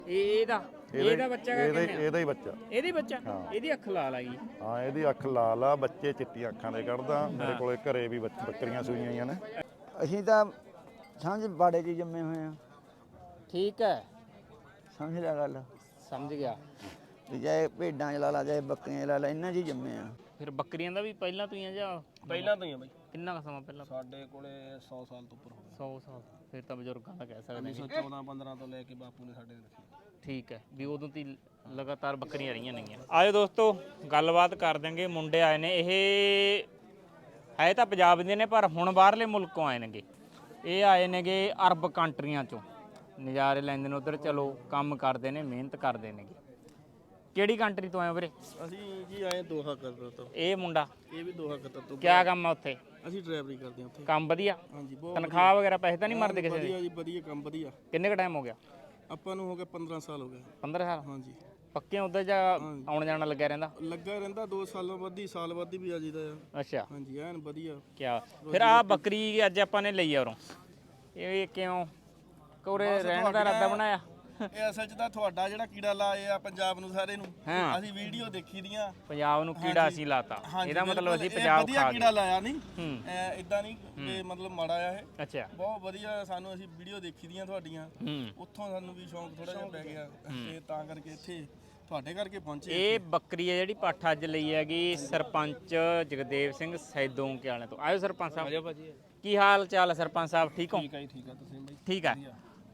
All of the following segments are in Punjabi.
ਇਹਦਾ ਬੱਚਾ ਇਹਦਾ ਹੀ ਬੱਚਾ। ਇਹਦੀ ਬੱਚਾ ਇਹਦੀ ਅੱਖ ਲਾਲ ਆ ਗਈ। ਹਾਂ ਇਹਦੀ ਅੱਖ ਲਾਲ ਆ, ਬੱਚੇ ਚਿੱਟੀਆਂ ਅੱਖਾਂ ਦੇ ਕੱਢਦਾ। ਮੇਰੇ ਕੋਲੇ ਘਰੇ ਵੀ ਬੱਕਰੀਆਂ ਸੂਈਆਂ ਹੋਈਆਂ ਨੇ। ਅਸੀਂ ਤਾਂ ਸਮਝ ਬਾੜੇ 'ਚ ਜੰਮੇ ਹੋਏ ਆ। ਠੀਕ ਹੈ, ਸਮਝ ਲਿਆ ਗੱਲ। ਸਮਝ ਗਿਆ। ਚਾਹੇ ਭੇਡਾਂ 'ਚ ਲਾ ਲਾ, ਚਾਹੇ ਬੱਕਰੀਆਂ 'ਚ ਲਾ ਲਾ, ਇਹਨਾਂ 'ਚ ਹੀ ਜੰਮੇ ਆ। ਫਿਰ ਬੱਕਰੀਆਂ ਦਾ ਵੀ ਪਹਿਲਾਂ ਤੋਂ ਹੀ ਆ ਜਾਂ ਪਹਿਲਾਂ ਤੋਂ ਹੀ ਆ ਬਾਈ। ਕਿੰਨਾ ਕੁ ਸਮਾਂ ਪਹਿਲਾਂ? ਸਾਡੇ ਕੋਲੇ 100 ਸਾਲ ਤੋਂ ਉੱਪਰ ਹੋ ਗਏ। 100 ਸਾਲ। ਫਿਰ ਤਾਂ ਬਜ਼ੁਰਗਾਂ ਦਾ ਕਹਿ ਸਕਦੇ ਹਾਂ। 1914-15 ਤੋਂ ਲੈ ਕੇ ਬਾਪੂ ਨੇ ਸਾਡੇ ਰੱਖੀ। ਠੀਕ ਹੈ, ਵੀ ਉਦੋਂ ਤੀ ਲਗਾਤਾਰ ਬੱਕਰੀਆਂ ਰਹੀਆਂ ਨੇਗੀਆਂ। ਆਜੋ ਦੋਸਤੋ, ਗੱਲਬਾਤ ਕਰ ਦਾਂਗੇ। ਮੁੰਡੇ ਆਏ ਨੇ, ਇਹ ਹੈ ਤਾਂ ਪੰਜਾਬ ਦੇ ਨੇ ਪਰ ਹੁਣ ਬਾਹਰਲੇ ਮੁਲਕੋਂ ਆਏ ਨੇਗੇ। ਇਹ ਆਏ ਨੇਗੇ ਅਰਬ ਕੰਟਰੀਆਂ ਚੋਂ, ਨਜ਼ਾਰੇ ਲੈਂਦੇ ਨੇ ਉਧਰ। ਚਲੋ ਕੰਮ ਕਰਦੇ ਨੇ, ਮਿਹਨਤ ਕਰਦੇ ਨੇਗੇ। ਕਿਹੜੀ ਕੰਟਰੀ ਤੋਂ ਆਏ ਹੋ ਵੀਰੇ? ਅਸੀਂ ਜੀ ਆਏ ਦੋਹਾ ਕਤਰ ਤੋਂ। ਇਹ ਮੁੰਡਾ ਇਹ ਵੀ ਦੋਹਾ ਕਤਰ ਤੋਂ। ਕਿਆ ਕੰਮ ਆ ਉੱਥੇ? ਅਸੀਂ ਡਰਾਈਵਰੀ ਕਰਦੇ ਹਾਂ ਉੱਥੇ। ਕੰਮ ਵਧੀਆ? ਹਾਂਜੀ ਬਹੁਤ ਤਨਖਾਹ ਵਗੈਰਾ ਪੈਸੇ ਤਾਂ ਨਹੀਂ ਮਰਦੇ ਕਿਸੇ ਦੇ? ਵਧੀਆ ਜੀ, ਵਧੀਆ ਕੰਮ ਵਧੀਆ। ਕਿੰਨੇ ਕ ਟਾਈਮ ਹੋ ਗਿਆ? ਆਪਾਂ ਨੂੰ ਹੋ ਗਿਆ 15 ਸਾਲ ਹੋ ਗਏ। 15 ਸਾਲ? ਹਾਂਜੀ। ਪੱਕੇ ਉਧਰ ਜਾਂ ਆਉਣ ਜਾਣਾ ਲੱਗਿਆ ਰਹਿੰਦਾ? ਲੱਗਾ ਰਹਿੰਦਾ 2 ਸਾਲਾਂ ਬਾਅਦ ਹੀ, ਸਾਲ ਬਾਅਦ ਹੀ ਵੀ ਆ ਜੀਦਾ ਆ। ਅੱਛਾ। ਹਾਂਜੀ ਐਨ ਵਧੀਆ। ਕਿਆ ਫਿਰ ਆ ਬੱਕਰੀ ਅੱਜ ਆਪਾਂ ਨੇ ਲਈ ਆ ਉਰੋਂ, ਇਹ ਕਿਉਂ ਕੋਰੇ ਰਹਿਣ ਦਾ ਇਰਾਦਾ ਬਣਾਇਆ? ਇਹ ਅਸਲ 'ਚ ਤਾਂ ਤੁਹਾਡਾ ਜਿਹੜਾ ਕੀੜਾ ਲਾਏ ਆ ਪੰਜਾਬ ਨੂੰ ਸਾਰੇ ਨੂੰ, ਅਸੀਂ ਵੀਡੀਓ ਦੇਖੀ ਦੀਆਂ। ਪੰਜਾਬ ਨੂੰ ਕੀੜਾ ਅਸੀਂ ਲਾਤਾ, ਇਹਦਾ ਮਤਲਬ ਅਸੀਂ ਪੰਜਾਬ ਵਧੀਆ ਖਾ ਕੀੜਾ ਲਾਇਆ ਨਹੀਂ। ਹੂੰ। ਇਦਾਂ ਨਹੀਂ ਕਿ ਮਤਲਬ ਮਾੜਾ ਆ ਇਹ। ਅੱਛਾ। ਬਹੁਤ ਵਧੀਆ, ਸਾਨੂੰ ਅਸੀਂ ਵੀਡੀਓ ਦੇਖੀ ਦੀਆਂ ਤੁਹਾਡੀਆਂ, ਉੱਥੋਂ ਸਾਨੂੰ ਵੀ ਸ਼ੌਂਕ ਥੋੜਾ ਜਿਹਾ ਪੈ ਗਿਆ ਤੇ ਤਾਂ ਕਰਕੇ ਇੱਥੇ ਤੁਹਾਡੇ ਕਰਕੇ ਪਹੁੰਚੇ। ਇਹ ਬੱਕਰੀ ਹੈ ਜਿਹੜੀ ਪੱਠ ਅੱਜ ਲਈ ਹੈਗੀ ਸਰਪੰਚ ਜਗਦੇਵ ਸਿੰਘ ਸੈਦੋਂ ਕੇ ਵਾਲਿਆਂ ਤੋਂ। ਆਇਓ ਸਰਪੰਚ ਸਾਹਿਬ। ਆਜੋ ਭਾਜੀ। ਕੀ ਹਾਲ ਚਾਲ ਹੈ ਸਰਪੰਚ ਸਾਹਿਬ? ਠੀਕ ਹੋ? ਠੀਕ ਹੈ, ਠੀਕ ਹੈ। ਤੁਸੀਂ ਬਾਈ? ਠੀਕ ਹੈ।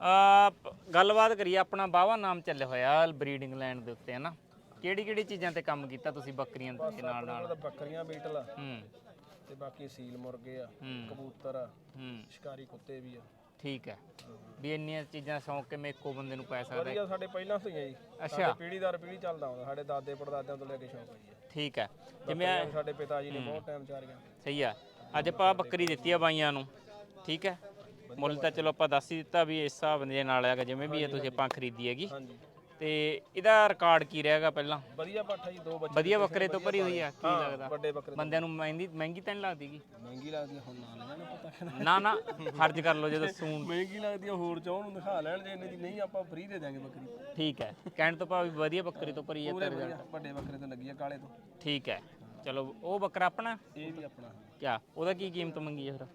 ਗੱਲਬਾਤ ਕਰੀਏ। ਆਪਣਾ ਬਾਵਾ ਨਾਮ ਚੱਲਿਆ ਹੋਇਆ ਬਰੀਡਿੰਗ ਲੈਂਡ ਦੇ ਉੱਤੇ, ਹੈ ਨਾ? ਕਿਹੜੀ ਕਿਹੜੀ ਚੀਜ਼ਾਂ ਤੇ ਕੰਮ ਕੀਤਾ ਤੁਸੀਂ ਬੱਕਰੀਆਂ ਦੇ ਨਾਲ ਨਾਲ? ਬੱਕਰੀਆਂ, ਬੀਟਲ ਤੇ ਬਾਕੀ ਸੀਲ ਮੁਰਗੇ ਆ, ਕਬੂਤਰ ਆ, ਸ਼ਿਕਾਰੀ ਕੁੱਤੇ ਵੀ ਆ। ਠੀਕ ਹੈ, ਵੀ ਇੰਨੀਆਂ ਚੀਜ਼ਾਂ ਸ਼ੌਂਕ ਕਿਵੇਂ ਇੱਕੋ ਬੰਦੇ ਨੂੰ ਪੈ ਸਕਦਾ? ਵਧੀਆ, ਸਾਡੇ ਪਹਿਲਾਂ ਤੋਂ ਹੀ ਆ ਜੀ। ਅੱਛਾ। ਪੀੜ੍ਹੀ ਦਰ ਪੀੜ੍ਹੀ ਚੱਲਦਾ ਆਉਂਦਾ, ਸਾਡੇ ਦਾਦੇ ਪੜਦਾਦਿਆਂ ਤੋਂ ਲੈ ਕੇ ਸ਼ੌਂਕ ਆ ਜੀ। ਠੀਕ ਹੈ। ਜਿਵੇਂ ਸਾਡੇ ਪਿਤਾ ਜੀ ਨੇ ਬਹੁਤ ਟਾਈਮ ਚਾਰੀਆਂ। ਸਹੀ ਆ। ਅੱਜ ਆਪਾਂ ਬੱਕਰੀ ਦਿੱਤੀ ਆ ਬਾਈਆਂ ਨੂੰ, ਠੀਕ ਹੈ? ਮੁੱਲ ਤਾਂ ਚਲੋ ਆਪਾਂ ਦੱਸ ਹੀ ਦਿੱਤਾ ਵੀ ਇਸ ਹਿਸਾਬ ਦੇ ਨਾਲ ਹੈਗਾ, ਜਿਵੇਂ ਵੀ ਇਹ ਤੁਸੀਂ ਆਪਾਂ ਖਰੀਦੀ ਹੈਗੀ। ਤੇ ਇਹਦਾ ਰਿਕਾਰਡ ਕੀ ਰਹੇਗਾ ਪਹਿਲਾਂ? ਵਧੀਆ ਪੱਠਾ ਜੀ, 2 ਬੱਚੇ ਵਧੀਆ ਬੱਕਰੇ ਤੋਂ ਭਰੀ ਹੋਈ ਆ। ਕੀ ਲੱਗਦਾ ਵੱਡੇ ਬੱਕਰੇ ਬੰਦਿਆਂ ਨੂੰ ਮਹਿੰਗੀ ਤਾਂ ਨਹੀਂ ਲੱਗਦੀਗੀ? ਮਹਿੰਗੀ ਲੱਗਦੀ ਹੁਣ ਨਾ ਲੈਣ ਪਤਾ। ਨਾ ਫਰਜ਼ ਕਰ ਲਓ ਜਦੋਂ ਸੂਣ। ਮਹਿੰਗੀ ਲੱਗਦੀ ਹੋਰ ਚਾਹਣ ਨੂੰ ਦਿਖਾ ਲੈਣ, ਜੇ ਇੰਨੇ ਦੀ ਨਹੀਂ ਆਪਾਂ ਫ੍ਰੀ ਦੇ ਦਾਂਗੇ ਬੱਕਰੀ। ਠੀਕ ਹੈ, ਕਹਿਣ ਤੋਂ ਭਾਵ ਵਧੀਆ ਬੱਕਰੀ ਤੋਂ ਭਰੀ ਹੈ ਤੇ ਰਿਜ਼ਲਟ ਵੱਡੇ ਬੱਕਰੇ ਤੋਂ ਲੱਗੀ ਆ, ਕਾਲੇ ਤੋਂ। ਠੀਕ ਹੈ। ਚਲੋ ਉਹ ਬੱਕਰਾ ਆਪਣਾ? ਇਹ ਵੀ ਆਪਣਾ। ਕਿਆ ਉਹਦਾ ਕੀ ਕੀਮਤ ਮੰਗੀ ਹੈ ਫਿਰ?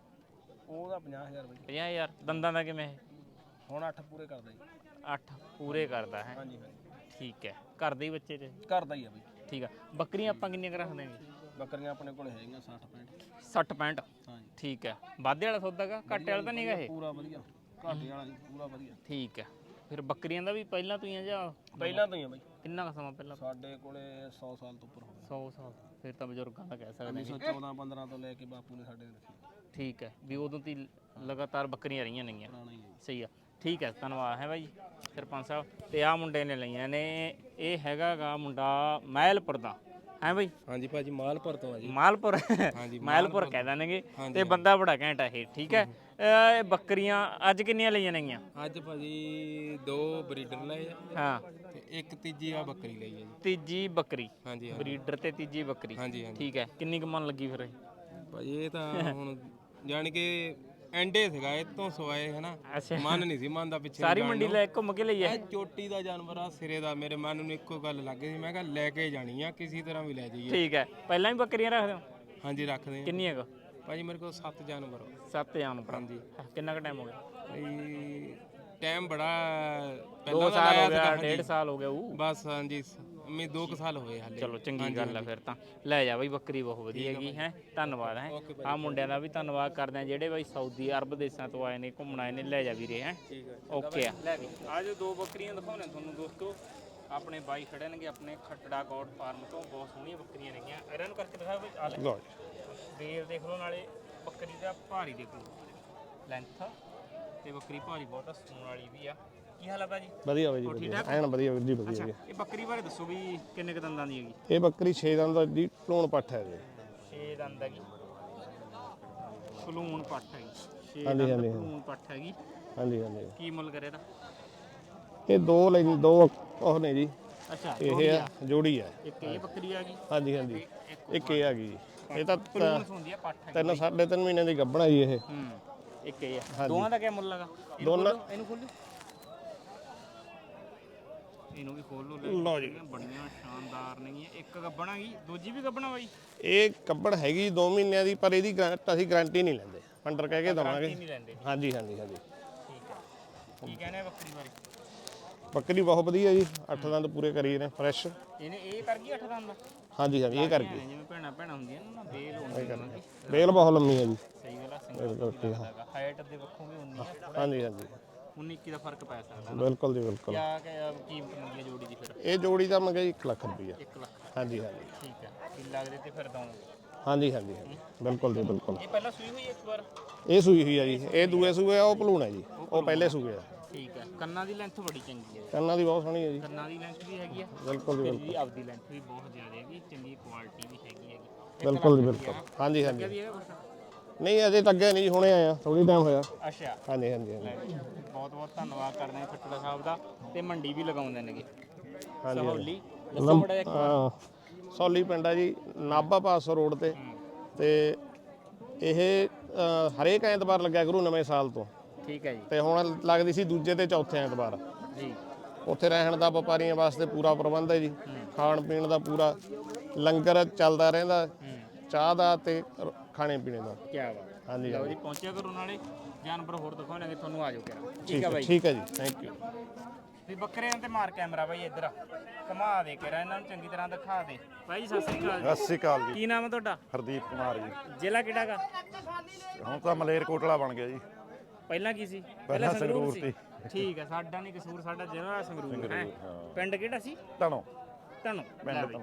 ਉਹਦਾ 50,000 ਬਾਈ। 50,000? ਦੰਦਾਂ ਦਾ ਕਿਵੇਂ? ਹੁਣ 8 ਪੂਰੇ ਕਰਦਾ ਜੀ। 8 ਪੂਰੇ ਕਰਦਾ ਹੈ? ਹਾਂਜੀ ਹਾਂਜੀ। ਠੀਕ ਹੈ। ਘਰ ਦੇ ਹੀ ਬੱਚੇ ਤੇ? ਕਰਦਾ ਹੀ ਆ ਬਾਈ। ਠੀਕ ਆ। ਬੱਕਰੀਆਂ ਆਪਾਂ ਕਿੰਨੀਆਂ ਕੁ ਰੱਖਦੇ ਹਾਂ? ਬੱਕਰੀਆਂ ਆਪਣੇ ਕੋਲ ਹੈਗੀਆਂ 60-65। 60-65? ਹਾਂਜੀ। ਠੀਕ ਹੈ। ਵਾਧੇ ਵਾਲਾ ਸੌਦਾ ਗਾ, ਘਾਟੇ ਵਾਲਾ ਤਾਂ ਨਹੀਂਗਾ ਇਹ? ਪੂਰਾ ਵਧੀਆ, ਘਾਟੇ ਵਾਲਾ ਨਹੀਂ, ਪੂਰਾ ਵਧੀਆ। ਠੀਕ ਹੈ। ਫਿਰ ਬੱਕਰੀਆਂ ਦਾ ਵੀ ਪਹਿਲਾਂ ਤੋਂ ਹੀ ਆ ਜਾਂ ਪਹਿਲਾਂ ਤੋਂ ਹੀ ਆ ਬਾਈ? ਕਿੰਨਾ ਕੁ ਸਮਾਂ ਪਹਿਲਾਂ? ਸਾਡੇ ਕੋਲੇ 100 ਸਾਲ ਤੋਂ ਉੱਪਰ ਹੋ ਗਏ। 100 ਸਾਲ? ਫਿਰ ਤਾਂ ਬਜ਼ੁਰਗਾਂ ਦਾ ਕਹਿ ਸਕਦੇ ਹਾਂ। 1914-15 ਤੋਂ ਲੈ ਕੇ ਬਾਪੂ ਨੇ ਸਾਡੇ ਰੱਖੀ। ਠੀਕ ਹੈ, ਵੀ ਉਦੋਂ ਤੀ ਲਗਾਤਾਰ ਬੱਕਰੀਆਂ ਰਹੀਆਂ ਨੇਗੀਆਂ। ਪੁਰਾਣਾ ਹੀ ਹੈ। ਸਹੀ ਆ। ਠੀਕ ਹੈ, ਧੰਨਵਾਦ ਹੈ ਬਾਈ ਸਰਪੰਚ ਸਾਹਿਬ। ਤੇ ਆਹ ਮੁੰਡੇ ਨੇ ਲਈਆਂ ਨੇ, ਇਹ ਹੈਗਾ ਗਾ ਮੁੰਡਾ ਮਹਿਲਪੁਰ ਦਾ, ਹੈ ਬਾਈ? ਹਾਂਜੀ ਭਾਜੀ, ਮਾਲਪੁਰ ਤੋਂ ਆ ਜੀ। ਮਾਲਪੁਰ? ਮਾਲਪੁਰ ਕਹਿ ਦੇਣਗੇ ਤੇ ਬੰਦਾ ਬੜਾ ਘੈਂਟ ਆ ਇਹ। ਠੀਕ ਹੈ। ਇਹ ਬੱਕਰੀਆਂ ਅੱਜ ਕਿੰਨੀਆਂ ਲਈਆਂ ਨੇਗੀਆਂ? ਅੱਜ ਭਾਜੀ 2 ਬਰੀਡਰ ਲਏ ਆ। ਹਾਂ। ਤੇ ਇੱਕ ਤੀਜੀ ਆ ਬੱਕਰੀ ਲਈ ਹੈ ਜੀ। ਤੀਜੀ ਬੱਕਰੀ? ਹਾਂਜੀ। ਬਰੀਡਰ ਤੇ ਤੀਜੀ ਬੱਕਰੀ? ਹਾਂਜੀ ਹਾਂਜੀ। ਠੀਕ ਹੈ। ਕਿੰਨੀ ਕੁ ਮਨ ਲੱਗੀ ਫਿਰ ਇਹ? ਭਾਜੀ ਇਹ ਤਾਂ ਹੁਣ ਜਾਣ ਕੇ ਐਂਡੇ ਸੀਗਾ, ਇਹ ਤੋਂ ਸਵਾਏ ਹਨਾ। ਮਨ ਨਹੀਂ ਸੀ ਮੰਨਦਾ ਪਿੱਛੇ। ਸਾਰੀ ਮੰਡੀ ਲੈ ਘੁੰਮ ਕੇ ਲਈ ਹੈ? ਚੋਟੀ ਦਾ ਜਾਨਵਰ ਆ, ਸਿਰੇ ਦਾ। ਮੇਰੇ ਮਨ ਨੂੰ ਇੱਕੋ ਗੱਲ ਲੱਗ ਗਈ ਸੀ, ਮੈਂ ਕਿਹਾ ਲੈ ਕੇ ਜਾਣੀ ਆ, ਕਿਸੇ ਤਰ੍ਹਾਂ ਵੀ ਲੈ ਜਾਈਏ। ਠੀਕ ਹੈ। ਪਹਿਲਾਂ ਵੀ ਬੱਕਰੀਆਂ ਰੱਖਦੇ ਹੋ? ਹਾਂਜੀ ਰੱਖਦੇ ਆ। ਕਿੰਨੀਆਂ ਕੁ? ਭਾਜੀ ਮੇਰੇ ਕੋਲ 7 ਜਾਨਵਰ ਆ। 7 ਜਾਨਵਰ? ਹਾਂਜੀ। ਕਿੰਨਾ ਕੁ ਟਾਈਮ ਹੋ ਗਿਆ? ਭਾਈ ਟਾਈਮ ਬੜਾ 2 ਸਾਲ ਹੋ ਗਿਆ, 1.5 ਸਾਲ ਹੋ ਗਿਆ ਬਸ। ਹਾਂਜੀ, ਮੈਂ 2 ਸਾਲ ਹੋਏ ਹਾਲੇ। ਚਲੋ ਚੰਗੀ ਗੱਲ ਆ ਫਿਰ ਤਾਂ। ਲੈ ਜਾ ਬਈ, ਬੱਕਰੀ ਬਹੁਤ ਵਧੀਆ ਹੈਗੀ ਹੈ। ਧੰਨਵਾਦ ਹੈ। ਆਹ ਮੁੰਡਿਆਂ ਦਾ ਵੀ ਧੰਨਵਾਦ ਕਰਦੇ ਆ ਜਿਹੜੇ ਬਈ ਸਾਊਦੀ ਅਰਬ ਦੇਸ਼ਾਂ ਤੋਂ ਆਏ ਨੇ, ਘੁੰਮਣ ਆਏ ਨੇ। ਲੈ ਜਾ ਵੀਰੇ। ਹੈ ਓਕੇ ਆ। ਲੈ ਵੀ ਅੱਜ 2 ਬੱਕਰੀਆਂ ਦਿਖਾਉਣੇ ਤੁਹਾਨੂੰ ਦੋਸਤੋ। ਆਪਣੇ ਬਾਈ ਖੜੇ ਨੇਗੇ ਆਪਣੇ ਖੱਟੜਾ ਗੌਡ ਫਾਰਮ ਤੋਂ। ਬਹੁਤ ਸੋਹਣੀਆਂ ਬੱਕਰੀਆਂ ਨੇਗੀਆਂ। ਇਹਨਾਂ ਨੂੰ ਕਰਕੇ ਦਿਖਾਓ ਬਈ। ਆ ਲੈ ਦੇਰ ਦੇਖ ਲਓ, ਨਾਲੇ ਬੱਕਰੀ ਦਾ ਭਾਰੀ ਦੇਖ ਲਓ, ਲੈਂਥ ਤੇ ਬੱਕਰੀ ਭਾਰੀ ਬਹੁਤ ਆ, ਸੂਣ ਵਾਲੀ ਵੀ ਆ। ਕੀ ਹਾਲ ਆ ਭਾਜੀ? ਵਧੀਆ ਬਾਈ ਜੀ, ਐਨ ਵਧੀਆ ਵੀਰ ਜੀ, ਵਧੀਆ। ਇਹ ਬੱਕਰੀ ਬਾਰੇ ਦੱਸੋ ਵੀ ਕਿੰਨੇ ਕ ਦੰਦਾਂ ਦੀ ਹੈਗੀ? ਇਹ ਬੱਕਰੀ 6 ਦੰਦ ਦੀ ਢੋਣ ਪੱਠ ਹੈ ਜੀ। 6 ਦੰਦ ਹੈਗੀ, ਸਲੂਨ ਪੱਠ ਹੈਗੀ। 6 ਹਾਂਜੀ ਦੰਦ ਹਾਂਜੀ ਸਲੂਨ ਪੱਠ ਹੈਗੀ। ਹਾਂਜੀ ਹਾਂਜੀ। ਕੀ ਮੁੱਲ ਕਰੇ ਇਹਦਾ? ਇਹ 2 ਉਹ ਨੇ ਜੀ। ਅੱਛਾ, ਇਹ ਆ ਜੋੜੀ ਆ। ਇੱਕ ਇਹ ਬੱਕਰੀ ਆ ਗਈ। ਹਾਂਜੀ ਹਾਂਜੀ। ਇੱਕ ਇਹ ਆ ਗਈ ਜੀ। ਇਹ ਤਾਂ ਸਲੂਨ ਹੁੰਦੀ ਆ ਪੱਠ ਹੈਗੀ। 3.5 ਮਹੀਨੇ ਦੀ ਗੱਭਣਾ ਜੀ ਇਹ। ਇੱਕ ਇਹ ਆ। ਦੋਵਾਂ ਦਾ ਕੀ ਮੁੱਲ ਲਗਾ? ਦੋਨਾਂ ਇਹਨੂੰ ਖੋਲੋ। ਇਹਨੂੰ ਵੀ ਖੋਲ ਲਓ ਲਓ ਜੀ। ਬੜੀਆਂ ਸ਼ਾਨਦਾਰ ਨੇਗੀਆਂ। ਇੱਕ ਗੱਬਣਾ ਗਈ, ਦੂਜੀ ਵੀ ਗੱਬਣਾ ਬਾਈ? ਇਹ ਕੱਬੜ ਹੈਗੀ 2 ਮਹੀਨਿਆਂ ਦੀ, ਪਰ ਇਹਦੀ ਅਸੀਂ ਗਾਰੰਟੀ ਨਹੀਂ ਲੈਂਦੇ, ਫੰਡਰ ਕਹਿ ਕੇ ਦਵਾਂਗੇ। ਨਹੀਂ ਲੈਂਦੇ? ਹਾਂਜੀ ਹਾਂਜੀ ਹਾਂਜੀ। ਠੀਕ ਹੈ। ਕੀ ਕਹਿੰਦੇ ਆ ਬੱਕਰੀ ਬਾਰੇ? ਬੱਕਰੀ ਬਹੁਤ ਵਧੀਆ ਜੀ, 8 ਦੰਦ ਪੂਰੇ ਕਰੀ ਨੇ ਫਰੈਸ਼। ਇਹਨੇ ਇਹ ਕਰ ਗਈ 8 ਦੰਦ ਦਾ? ਹਾਂਜੀ ਹਾਂਜੀ ਇਹ ਕਰਕੇ। ਜਿਵੇਂ ਭੈਣਾ ਹੁੰਦੀਆਂ ਨੇ ਨਾ, ਬੇਲ ਹੁੰਦੀ। ਬੇਲ ਬਹੁਤ ਲੰਮੀ ਹੈ ਜੀ। ਸਹੀ ਗੱਲ ਆ। ਸਿੰਗਲ ਹਾਈਟ ਦੇ ਵੱਖੋਂ ਵੀ ਹੁੰਦੀ ਆ। ਹਾਂਜੀ ਹਾਂਜੀ 19 ਦਾ ਫਰਕ ਪੈ ਸਕਦਾ। ਬਿਲਕੁਲ ਜੀ ਬਿਲਕੁਲ। ਕਿਆ ਕੀਮਤ ਮੰਗੀ ਆ ਜੋੜੀ ਦੀ ਫਿਰ? ਇਹ ਜੋੜੀ ਦਾ ਮੰਗਿਆ 1 ਲੱਖ ਰੁਪਈਆ। 1 ਲੱਖ। ਹਾਂਜੀ ਹਾਂਜੀ ਠੀਕ ਹੈ। ਕੀ ਲੱਗਦੇ ਤੇ ਫਿਰ ਦਊਂਗੇ? ਹਾਂਜੀ ਹਾਂਜੀ ਹਾਂਜੀ ਬਿਲਕੁਲ ਜੀ ਬਿਲਕੁਲ। ਇਹ ਪਹਿਲਾਂ ਸੂਈ ਹੋਈ ਇੱਕ ਵਾਰ? ਇਹ ਸੂਈ ਹੋਈ ਆ ਜੀ, ਇਹ ਦੂਏ ਸੂਏ ਆ, ਉਹ ਭਲੂਣ ਹੈ ਜੀ, ਉਹ ਪਹਿਲੇ ਸੂਏ ਆ। ਠੀਕ ਹੈ। ਕੰਨਾਂ ਦੀ ਲੈਂਥ ਬੜੀ ਚੰਗੀ ਹੈ। ਕੰਨਾਂ ਦੀ ਬਹੁਤ ਸੋਹਣੀ ਹੈ ਜੀ। ਕੰਨਾਂ ਦੀ ਲੈਂਥ ਵੀ ਹੈਗੀ ਆ। ਬਿਲਕੁਲ ਜੀ ਇਹਦੀ ਆਪਦੀ ਲੈਂਥ ਵੀ ਬਹੁਤ ਜ਼ਿਆਦਾ ਹੈਗੀ, ਚੰਗੀ ਕੁਆਲਿਟੀ ਵੀ ਹੈਗੀ। ਬਿਲਕੁਲ ਜੀ ਬਿਲਕੁਲ। ਹਾਂਜੀ ਹਾਂਜੀ ਵੀ ਹੈਗਾ ਕੁਛ? ਨਹੀਂ ਅਜੇ ਲੱਗਿਆ ਨਹੀਂ ਜੀ, ਹੁਣੇ ਆਇਆ, ਥੋੜੀ ਟਾਈਮ ਹੋਇਆ। ਅੱਛਾ। ਹਾਂਜੀ ਹਾਂਜੀ ਹਾਂਜੀ ਬਹੁਤ ਬਹੁਤ ਧੰਨਵਾਦ ਕਰਦੇ ਹਾਂ ਖੱਟੜਾ ਸਾਹਿਬ ਦਾ। ਤੇ ਮੰਡੀ ਵੀ ਲਗਾਉਂਦੇ ਨੇਗੇ ਹਾਂਜੀ ਸਹੌਲੀ। ਦੱਸੋ ਬੜਾ ਇੱਕ ਵਾਰ। ਹਾਂ ਸੌਲੀ ਪਿੰਡ ਆ ਜੀ, ਨਾਭਾ ਪਾਸੋਂ ਰੋਡ ਤੇ ਇਹ ਹਰੇਕ ਐਤਵਾਰ ਲੱਗਿਆ ਕਰੂ ਨਵੇਂ ਸਾਲ ਤੋਂ। ਠੀਕ ਹੈ ਜੀ। ਤੇ ਹੁਣ ਲੱਗਦੀ ਸੀ ਦੂਜੇ ਤੇ ਚੌਥੇ ਐਤਵਾਰ। ਜੀ। ਉੱਥੇ ਰਹਿਣ ਦਾ ਵਪਾਰੀਆਂ ਵਾਸਤੇ ਪੂਰਾ ਪ੍ਰਬੰਧ ਹੈ ਜੀ, ਖਾਣ ਪੀਣ ਦਾ ਪੂਰਾ ਲੰਗਰ ਚੱਲਦਾ ਰਹਿੰਦਾ, ਚਾਹ ਦਾ ਤੇ ਖਾਣੇ ਪੀਣੇ ਦਾ। ਕੀ ਬਾਤ। ਹਾਂਜੀ ਲਓ ਜੀ, ਪਹੁੰਚਿਆ ਕਰੋ, ਨਾਲੇ ਜਾਨਵਰ ਹੋਰ ਦਿਖਾਉਣਗੇ ਤੁਹਾਨੂੰ। ਆ ਜਾਓ ਕਿਰਾ। ਠੀਕ ਹੈ ਠੀਕ ਹੈ ਜੀ, ਥੈਂਕ ਯੂ। ਵੀ ਬੱਕਰਿਆਂ ਤੇ ਮਾਰ ਕੈਮਰਾ ਬਾਈ ਇੱਧਰ ਘੁਮਾ ਦੇ ਕਿਰਾ, ਇਹਨਾਂ ਨੂੰ ਚੰਗੀ ਤਰ੍ਹਾਂ ਦਿਖਾ ਦੇ। ਬਾਈ ਜੀ ਸਤਿ ਸ੍ਰੀ ਅਕਾਲ ਜੀ। ਸਤਿ ਸ਼੍ਰੀ ਅਕਾਲ ਜੀ। ਕੀ ਨਾਮ ਹੈ ਤੁਹਾਡਾ? ਹਰਦੀਪ ਕੁਮਾਰ ਜੀ। ਜ਼ਿਲ੍ਹਾ ਕਿਹੜਾ ਗਾ? ਹੁਣ ਤਾਂ ਮਲੇਰਕੋਟਲਾ ਬਣ ਗਿਆ ਜੀ। ਪਹਿਲਾਂ ਕੀ ਸੀ? ਪਹਿਲਾਂ ਸੰਗਰੂਰ ਸੰਗਰੂਰ ਠੀਕ ਹੈ। ਸਾਡਾ ਨਹੀਂ ਕਸੂਰ, ਸਾਡਾ ਜ਼ਿਲ੍ਹਾ ਸੰਗਰੂਰ ਹੈ। ਪਿੰਡ ਕਿਹੜਾ ਸੀ? ਧਨੋ ਧਨੋ। ਪਿੰਡ ਧਨੋ।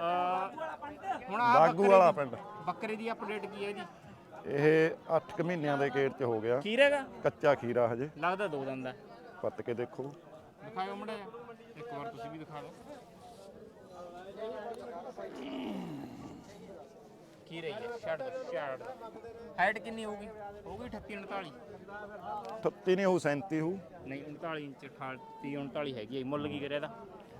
ਹੁਣ ਆ ਬਾਗੂ ਵਾਲਾ ਪਿੰਡ। ਬੱਕਰੇ ਦੀ ਅਪਡੇਟ ਕੀ ਹੈ ਜੀ? ਇਹ 8 ਮਹੀਨਿਆਂ ਦੇ ਗੇੜ 'ਚ ਹੋ ਗਿਆ। ਖੀਰ ਹੈਗਾ? ਕੱਚਾ ਖੀਰਾ ਹਜੇ। ਲੱਗਦਾ 2 ਦੰਦ ਦਾ। ਪੱਤ ਕੇ ਦੇਖੋ। ਦਿਖਾਓ ਮੜਾ ਇੱਕ ਵਾਰ, ਤੁਸੀਂ ਵੀ ਦਿਖਾ ਦਿਓ। ਕੀ ਰਹੀ ਹੈ? ਛੱਡ ਹਾਈਟ ਕਿੰਨੀ ਹੋਊਗੀ? ਹੋਊਗੀ 38 39? 38 ਨਹੀਂ ਹੋਊ, 37 ਹੋਊ। ਨਹੀਂ 39 ਇੰਚ 38 39 ਹੈਗੀ ਹੈ। ਮੁੱਲ ਕੀ ਕਰਿਆ ਇਹਦਾ?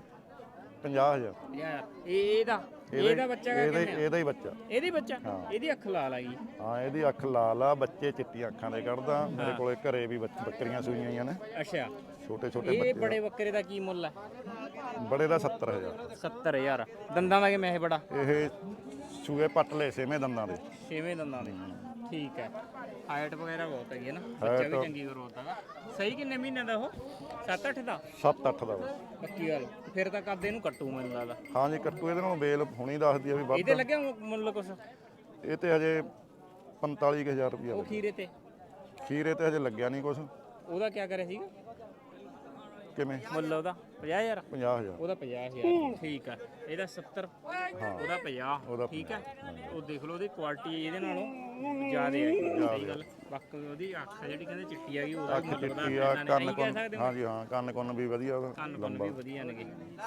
50,000। ਯਾਰ ਇਹਦਾ ਬੱਚਾ ਇਹਦਾ ਹੀ ਬੱਚਾ। ਇਹਦੀ ਬੱਚਾ? ਇਹਦੀ ਅੱਖ ਲਾਲ ਆ ਗਈ। ਹਾਂ ਇਹਦੀ ਅੱਖ ਲਾਲ ਆ, ਬੱਚੇ ਚਿੱਟੀਆਂ ਅੱਖਾਂ ਦੇ ਕੱਢਦਾ। ਮੇਰੇ ਕੋਲੇ ਘਰੇ ਵੀ ਬੱਕਰੀਆਂ ਸੂਈਆਂ ਹੋਈਆਂ ਨੇ। ਅੱਛਾ। ਛੋਟੇ ਛੋਟੇ ਇਹ ਬੱਚੇ। ਬੜੇ ਬੱਕਰੇ ਦਾ ਕੀ ਮੁੱਲ ਹੈ? ਬੜੇ ਦਾ 70,000। 70,000। ਦੰਦਾਂ ਦਾ ਕਿਵੇਂ ਇਹ ਬੜਾ? ਇਹ ਸੂਏ ਪੱਟ ਲਏ 6ਵੇਂ ਦੰਦਾਂ ਦੇ। 6ਵੇਂ ਦੰਦਾਂ ਦੇ। ਠੀਕ ਹੈ। ਹਾਈਟ ਵਗੈਰਾ ਬਹੁਤ ਹੈਗੀ ਹੈ ਨਾ, ਬੱਚਾ ਵੀ ਚੰਗੀ ਗਰੋਥ ਹੈਗਾ। ਸਹੀ ਕਿੰਨੇ ਮਹੀਨਿਆਂ ਦਾ ਉਹ? 7-8 ਦਾ? 7-8 ਦਾ ਵਾ। ਪੱਕੀ ਗੱਲ। ਫਿਰ ਤਾਂ ਕੱਦ ਇਹਨੂੰ ਕੱਟੂ ਮੈਨੂੰ ਲੱਗਦਾ। ਹਾਂ ਜੀ ਕੱਟੂ, ਇਹਦੇ ਨਾਲ ਬੇਲ ਹੁਣੀ ਦੱਸਦੀ ਆ ਵੀ ਵੱਧ। ਇਹਦੇ ਲੱਗਿਆ ਮੁੱਲ ਕੁਛ? ਇਹ ਤੇ ਹਜੇ 45,000 ਰੁਪਇਆ ਉਹ ਖੀਰੇ ਤੇ? ਖੀਰੇ ਤੇ ਹਜੇ ਲੱਗਿਆ ਨਹੀਂ ਕੁਛ। ਉਹਦਾ ਕੀ ਕਰਿਆ ਸੀਗਾ ਕਿਵੇਂ? ਮੁੱਲ ਉਹਦਾ? 50,000? 50,000। ਉਹਦਾ 50,000। ਠੀਕ ਹੈ। ਇਹਦਾ 70, ਉਹਦਾ 50। ਠੀਕ ਹੈ। ਉਹ ਦੇਖ ਲਓ ਉਹਦੀ ਕੁਆਲਿਟੀ ਇਹਦੇ ਨਾਲੋਂ ਜ਼ਿਆਦਾ ਹੈ। ਸਹੀ ਗੱਲ। ਬਾਕੀ ਉਹਦੀ ਅੱਖ ਜਿਹੜੀ ਕਹਿੰਦੇ ਚਿੱਟੀ ਹੈਗੀ, ਉਹਦਾ ਮੁੱਲ ਵਧਾ ਚਿੱਟੀ ਆ, ਕੰਨ ਕੁੰਨ। ਹਾਂ ਜੀ ਹਾਂ, ਕੰਨ ਕੁੰਨ ਵੀ ਵਧੀਆ ਉਹਦਾ। ਕੰਨ ਕੁੰਨ ਵੀ ਵਧੀਆ ਨੇਗੇ।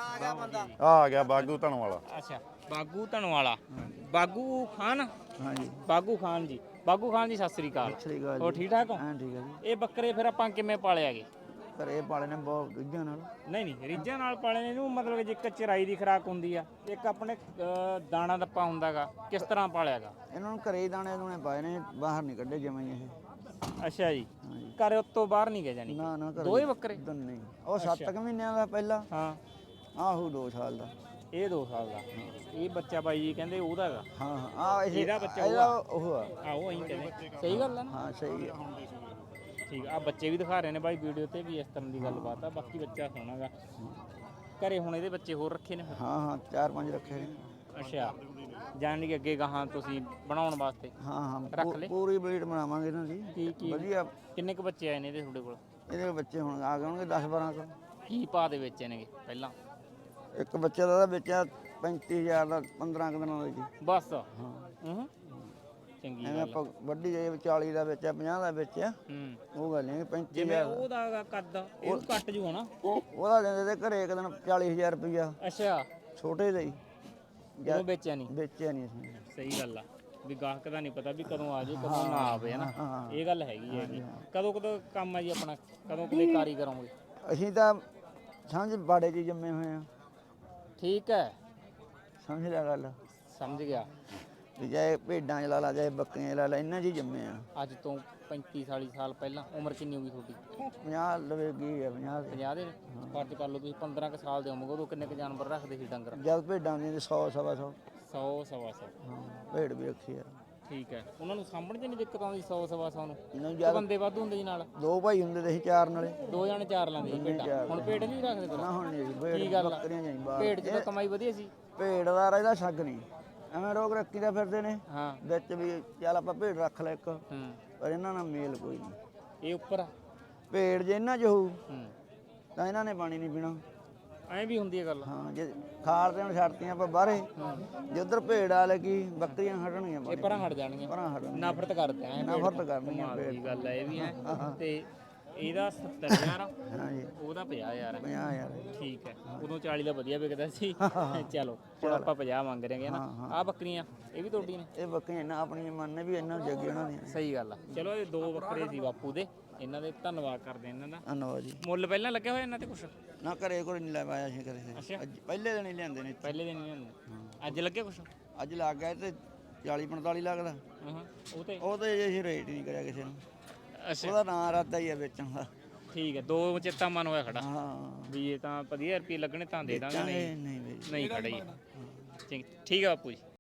ਆ ਗਿਆ ਬਾਗੂ ਧਣ ਵਾਲਾ। ਅੱਛਾ। ਬਾਗੂ ਧਨਵਾਲਾ। ਬਾਗੂ ਖਾਨ? ਹਾਂਜੀ। ਬਾਗੂ ਖਾਨ ਜੀ। ਬਾਗੂ ਖਾਨ ਜੀ ਸਤਿ ਸ੍ਰੀ ਅਕਾਲ। ਸਤਿ ਸ਼੍ਰੀ ਅਕਾਲ ਹੋਰ ਜੀ। ਠੀਕ ਠਾਕ ਹੋ? ਹਾਂ ਠੀਕ ਹੈ ਜੀ। ਇਹ ਬੱਕਰੇ ਫਿਰ ਆਪਾਂ ਕਿਵੇਂ ਪਾਲੇ ਆਗੇ? ਘਰੇ ਪਾਲੇ ਨੇ ਬਹੁਤ ਗੁੱਝਾਂ ਨਾਲ। ਨਹੀਂ ਰੀਝਾਂ ਨਾਲ ਪਾਲੇ ਨੇ ਇਹਨੂੰ, ਮਤਲਬ ਜੇ ਇੱਕ ਚਰਾਈ ਦੀ ਖੁਰਾਕ ਹੁੰਦੀ ਆ, ਇੱਕ ਆਪਣੇ ਦਾਣਾ ਦੱਪਾ ਹੁੰਦਾਗਾ, ਕਿਸ ਤਰ੍ਹਾਂ ਪਾਲਿਆਗਾ? ਇਹਨਾਂ ਨੂੰ ਘਰੇ ਹੀ ਦਾਣੇ ਦੂਣੇ ਪਾਏ ਨੇ, ਬਾਹਰ ਨਹੀਂ ਕੱਢੇ ਜਿਵੇਂ ਇਹ। ਅੱਛਾ ਜੀ। ਘਰੇ ਉੱਤੋਂ ਬਾਹਰ ਨਹੀਂ ਗਏ ਜਾਨੀ? ਨਾ ਨਾ ਘਰੇ। ਦੋਏ ਬੱਕਰੇ? ਨਹੀਂ, ਉਹ 7 ਮਹੀਨਿਆਂ ਦਾ ਪਹਿਲਾ। ਹਾਂ। ਆਹੋ 2 ਸਾਲ ਦਾ। ਇਹ 2 ਸਾਲ ਦਾ। ਇਹ ਬੱਚਾ ਬਾਈ ਜੀ ਕਹਿੰਦੇ ਉਹਦਾ ਹੈਗਾ? ਹਾਂ ਹਾਂ। ਇਹਦਾ ਬੱਚਾ ਉਹ ਆ। ਆਹੋ ਅਸੀਂ ਕਹਿੰਦੇ ਸਹੀ ਗੱਲ ਆ ਨਾ? ਹਾਂ ਸਹੀ ਆ। ਠੀਕ ਆ। ਬੱਚੇ ਵੀ ਦਿਖਾ ਰਹੇ ਨੇ ਬਾਈ ਵੀਡੀਓ ਤੇ ਵੀ, ਇਸ ਤਰ੍ਹਾਂ ਦੀ ਗੱਲਬਾਤ ਆ। ਬਾਕੀ ਬੱਚਾ ਸੋਹਣਾਗਾ। ਘਰੇ ਹੁਣ ਇਹਦੇ ਬੱਚੇ ਹੋਰ ਰੱਖੇ ਨੇ? ਹਾਂ ਹਾਂ 4-5 ਰੱਖੇ ਨੇ। ਅੱਛਾ। ਜਾਣ ਕਿ ਅੱਗੇ ਗਾਹਾਂ ਤੁਸੀਂ ਬਣਾਉਣ ਵਾਸਤੇ? ਹਾਂ ਹਾਂ ਰੱਖ ਲੈ। ਪੂਰੀ ਬਰੀਡ ਬਣਾਵਾਂਗੇ ਇਹਨਾਂ ਦੀ। ਕੀ ਵਧੀਆ। ਕਿੰਨੇ ਕੁ ਬੱਚੇ ਆਏ ਨੇ ਇਹਦੇ ਤੁਹਾਡੇ ਕੋਲ? ਇਹਦੇ ਬੱਚੇ ਹੁਣ ਆ ਗਏ ਹੋਣਗੇ 10-12 ਕੁ। ਕੀ ਭਾਅ ਦੇ ਵੇਚੇ ਨੇਗੇ ਪਹਿਲਾਂ? ਇੱਕ ਬੱਚੇ ਦਾ ਵੇਚਿਆ 35,000 ਦਾ 15 ਕੁ ਦਿਨਾਂ ਦਾ ਜੀ। ਬਸ। ਹਾਂ। ਹੂੰ। ਚੰਗੀ ਐਵੇਂ ਗੱਲ। ਆਪਾਂ ਵੱਡੀ ਜਾਈ 40 ਦਾ ਵੇਚਿਆ 50 ਦਾ ਵੇਚਿਆ। ਉਹ ਗੱਲ ਨਹੀਂ 35,000। ਜਿਵੇਂ ਉਹਦਾ ਕੱਦ ਇਹ ਕੱਟ ਜੂ ਹਨਾ? ਉਹਦਾ ਦਿੰਦੇ ਤੇ ਘਰੇ ਇੱਕ ਦਿਨ 40,000 ਰੁਪਇਆ। ਅੱਛਾ। ਛੋਟੇ ਦਾ ਹੀ। ਉਹ ਵੇਚਿਆ ਨਹੀਂ? ਵੇਚਿਆ ਨਹੀਂ ਅਸੀਂ। ਸਹੀ ਗੱਲ ਆ। ਵੀ ਗਾਹਕ ਦਾ ਨਹੀਂ ਪਤਾ ਵੀ ਕਦੋਂ ਆ ਜੇ ਕਦੋਂ ਨਾ ਆਵੇ ਹਨਾ। ਇਹ ਗੱਲ ਹੈਗੀ। ਕਦੋਂ ਕੰਮ ਆ ਜੀ ਆਪਣਾ? ਕਦੋਂ ਕਦੇ ਕਾਰੀ ਕਰੋਗੇ? ਅਸੀਂ ਤਾਂ ਸਮਝ ਬਾੜੇ 'ਚ ਜੰਮੇ ਹੋਏ ਆ। ਠੀਕ ਹੈ। ਸਮਝ ਲਿਆ ਗੱਲ? ਸਮਝ ਗਿਆ। ਵੀ ਚਾਹੇ ਭੇਡਾਂ 'ਚ ਲਾ ਲਾ, ਚਾਹੇ ਬੱਕਰੀਆਂ 'ਚ ਲਾ ਲਾ, ਇਹਨਾਂ 'ਚ ਹੀ ਜੰਮੇ ਆ। ਅੱਜ ਤੋਂ 35 ਸਾਲ ਪਹਿਲਾਂ ਉਮਰ ਕਿੰਨੀ ਹੋ ਗਈ ਤੁਹਾਡੀ 50 ਲਵੇ ਗਈ ਹੈ 50 50 ਦੇ ਫਰਜ਼ ਕਰ ਲਓ ਤੁਸੀਂ 15 ਕੁ ਸਾਲ ਦੇ ਹੋਵੋਗੇ ਉਦੋਂ ਕਿੰਨੇ ਕੁ ਜਾਨਵਰ ਰੱਖਦੇ ਸੀ ਡੰਗਰ ਜਦ ਭੇਡਾਂ ਦੀਆਂ 100 ਸਵਾ 100 100 ਸਵਾ 100 ਹਾਂ ਭੇਡ ਵੀ ਰੱਖੀ ਆ ਠੀਕ ਹੈ ਉਹਨਾਂ ਨੂੰ ਸਾਂਭਣ 'ਚ ਨਹੀਂ ਦਿੱਕਤ ਆਉਂਦੀ 100 ਸਵਾ 100 ਨੂੰ ਇਹਨਾਂ ਕਿ ਬੰਦੇ ਵਾਧੂ ਹੁੰਦੇ ਜੀ ਨਾਲ ਦੋ ਭਾਈ ਹੁੰਦੇ ਤੇ ਸੀ ਚਾਰ ਨਾਲੇ ਦੋ ਜਾਣੇ ਚਾਰ ਲਾਂਦੇ ਸੀ ਭੇਡਾਂ ਹੁਣ ਭੇਡ ਨਹੀਂ ਰੱਖਦੇ ਫਿਰ ਨਾ ਹੁਣ ਨਹੀਂ ਕੀ ਭੇਡ ਗੱਲ ਆ? ਬੱਕਰੀਆਂ ਜਾਈ ਬਾਹਰ ਭੇਡ 'ਚ ਤਾਂ ਕਮਾਈ ਵਧੀਆ ਸੀ ਭੇਡ ਦਾ ਇਹਦਾ ਛੱਗ ਨਹੀਂ ਐਵੇਂ ਰੋਗ ਰੱਖੀ ਦਾ ਫਿਰਦੇ ਨੇ ਹਾਂ ਵਿੱਚ ਵੀ ਚੱਲ ਆਪਾਂ ਭੇਡ ਰੱਖ ਲੈ ਇੱਕ ਹੂੰ ਪਰ ਇਹਨਾਂ ਨਾਲ ਮੇਲ ਕੋਈ ਨਹੀਂ ਇਹ ਉੱਪਰ ਆ ਭੇਡ ਜੇ ਇਹਨਾਂ 'ਚ ਹੋਊ ਹੂੰ ਤਾਂ ਇਹਨਾਂ ਨੇ ਪਾਣੀ ਨਹੀਂ ਪੀਣਾ ਐਂ ਵੀ ਹੁੰਦੀ ਹੈ ਗੱਲ ਹਾਂ ਜੇ ਖਾਲ ਤੇ ਹੁਣ ਛੱਡਤੀਆਂ ਆਪਾਂ ਬਾਹਰੇ ਜੇ ਉਧਰ ਭੇਡ ਆ ਲੱਗੀ ਬੱਕਰੀਆਂ ਹਟਣਗੀਆਂ ਇਹ ਪਾਣੀ ਪਰਾਂ ਹਟ ਜਾਣਗੀਆਂ ਪਰਾਂ ਹਟਣ ਨਫ਼ਰਤ ਕਰਦੇ ਐ ਨਫ਼ਰਤ ਕਰਨੀਆਂ ਕਮਾਲ ਦੀ ਗੱਲ ਹੈ ਇਹ ਵੀ ਹੈ ਤੇ ਇਹਦਾ 70000 ਹਾਂ ਜੀ ਉਹਦਾ 50000 ਹੈ 50 ਯਾਰ ਠੀਕ ਹੈ ਉਦੋਂ 40 ਦਾ ਵਧੀਆ ਵਿਕਦਾ ਸੀ ਚਲੋ ਹੁਣ ਆਪਾਂ 50 ਮੰਗ ਰਹੇ ਹਾਂ ਨਾ ਆਹ ਬੱਕਰੀਆਂ ਇਹ ਵੀ ਤੁਹਾਡੀਆਂ ਨੇ ਇਹ ਬੱਕਰੀਆਂ ਇਹਨਾਂ ਆਪਣੀਆਂ ਮੰਨ ਵੀ ਇਹਨਾਂ ਜੱਗੇ ਉਹਨਾਂ ਦੀਆਂ ਸਹੀ ਗੱਲ ਆ ਚਲੋ ਇਹ ਦੋ ਬੱਕਰੇ ਸੀ ਬਾਪੂ ਦੇ ਇਹਨਾਂ ਦੇ ਧੰਨਵਾਦ ਕਰਦੇ ਇਹਨਾਂ ਦਾ ਧੰਨਵਾਦ ਜੀ ਮੁੱਲ ਪਹਿਲਾਂ ਲੱਗਿਆ ਹੋਇਆ ਇਹਨਾਂ ਤੇ ਕੁਛ ਨਾ ਘਰੇ ਕੋਈ ਨਹੀਂ ਲਵਾਇਆ ਸੀ ਕਰੇ ਅੱਛਾ ਅੱਜ ਪਹਿਲੇ ਦਿਨ ਹੀ ਲਿਆਂਦੇ ਨੇ ਪਹਿਲੇ ਦਿਨ ਨਹੀਂ ਹੁੰਦੇ ਅੱਜ ਲੱਗਿਆ ਕੁਛ ਅੱਜ ਲੱਗ ਗਿਆ ਤੇ 40 45 ਲੱਗਦਾ ਹਾਂ ਉਹ ਤੇ ਉਹ ਤੇ ਅਸੀਂ ਰੇਟ ਨਹੀਂ ਕਰਿਆ ਕਿਸੇ ਨੂੰ ਅੱਛਾ ਉਹਦਾ ਨਾਂ ਰਾਤਾ ਹੀ ਆ ਵੇਚਣ ਦਾ ਠੀਕ ਹੈ ਦੋ ਚੇਤਾ ਮਨ ਹੋਇਆ ਖੜਾ ਹਾਂ ਵੀ ਇਹ ਤਾਂ 50 ਰੁਪਏ ਲੱਗਣੇ ਤਾਂ ਦੇ ਦਾਂਗੇ ਨਹੀਂ ਨਹੀਂ ਵੀਰ ਨਹੀਂ ਖੜਾ ਹੀ ਠੀਕ ਹੈ ਬਾਪੂ ਜੀ